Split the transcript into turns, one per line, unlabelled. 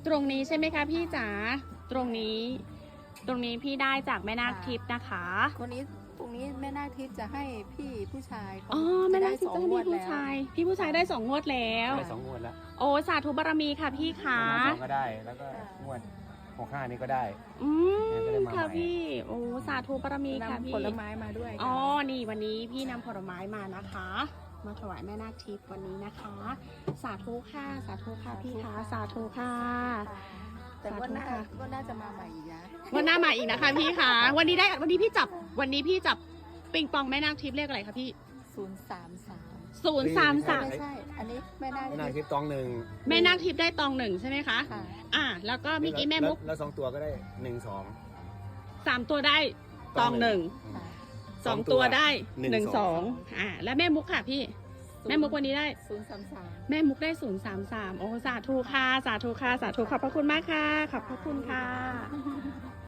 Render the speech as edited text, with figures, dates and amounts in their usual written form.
รงนี้ใช่ไหมคะพี่จ๋าตรงนี้พี่ได้จากแม่นาคทิพย์นะคะ
ตรงนี้แม่นาคทิพย์จะให้พี่ผู้ชายเขา
อ๋อแม่นาคทิพย์จะให้
ได้
พี่ผู้ชายพี่ผู้ชายได้2 งวดแล้ว
ได้2 งวดแล้ว
โอ้สาธุบารมีค่ะพี่ขา
สองก็ได้แล้วก็งวด65นี่ก็ได้
อืม
ก็ได้มาใหม่
ค่ะพี่โอ้สาธุบารมีค่ะ
นำ
พี่
ผลไม้มาด้วย
อ๋อนี่วันนี้พี่นำผลไม้มานะคะ มาถวายแม่นาคทิพย์วันนี้นะคะ สาธุค่ะสาธุค่ะพี่คะสาธุค่ะ
แต่ว่าน่า
สาธุค่ะ
ก็น่าจะมาใหม่อีกนะ
วันหน้ามาอีกนะคะพี่คะวันนี้พี่จับปิงปองแม่นาคทิพย์เลขอะไรคะพี่
033 ไม่ใช่ อันนี้แม่นาค
แม่นาคทิพย์ตองหนึ่ง
แม่นาคทิพย์ได้ตอง1ใช่ไหมคะ
ค่ะ
แล้วก็เมื่อกี้แม่มุก
แล้ว2 ตัวก็ได้1
3 ตัวได้ตอง1
ค่ะ
2 ตัวได้
1
1 2แล้วแม่มุกค่ะพี่แม่มุกวันนี้ได้
033
แม่มุกได้033โอ้สาธุค่ะสาธุค่ะสาธุขอบพระคุณมากค่ะขอบพระคุณค่ะ